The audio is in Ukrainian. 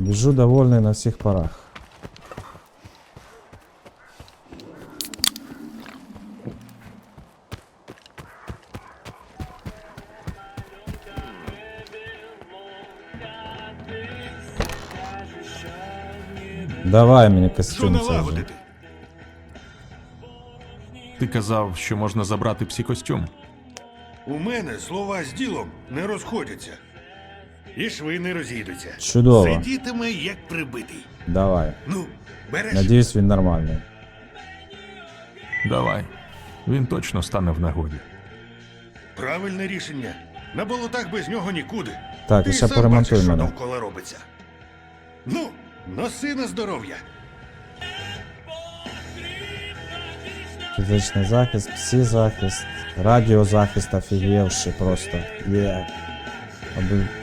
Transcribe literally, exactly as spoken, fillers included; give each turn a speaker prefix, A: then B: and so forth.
A: Біжу довольний на всіх парах. Давай мені
B: Що
A: костюм цей же.
B: налагодити?
C: Ти казав, що можна забрати псі-костюм.
B: У мене слова з ділом не розходяться. І шви не розійдуться.
A: Чудово.
B: Сидітиме як прибитий.
A: Давай.
B: Ну, береш?
A: Надіюсь, він нормальний.
C: Давай. Він точно стане в нагоді.
B: Правильне рішення. На болотах без нього нікуди.
A: Так,
B: Ти
A: і ще
B: сам
A: поремонтуй
B: бачиш, що
A: мене.
B: довкола робиться. Ну, носи на здоров'я.
A: Фізичний захист, псі-захист, радіозахист офігівший просто. Є. Аби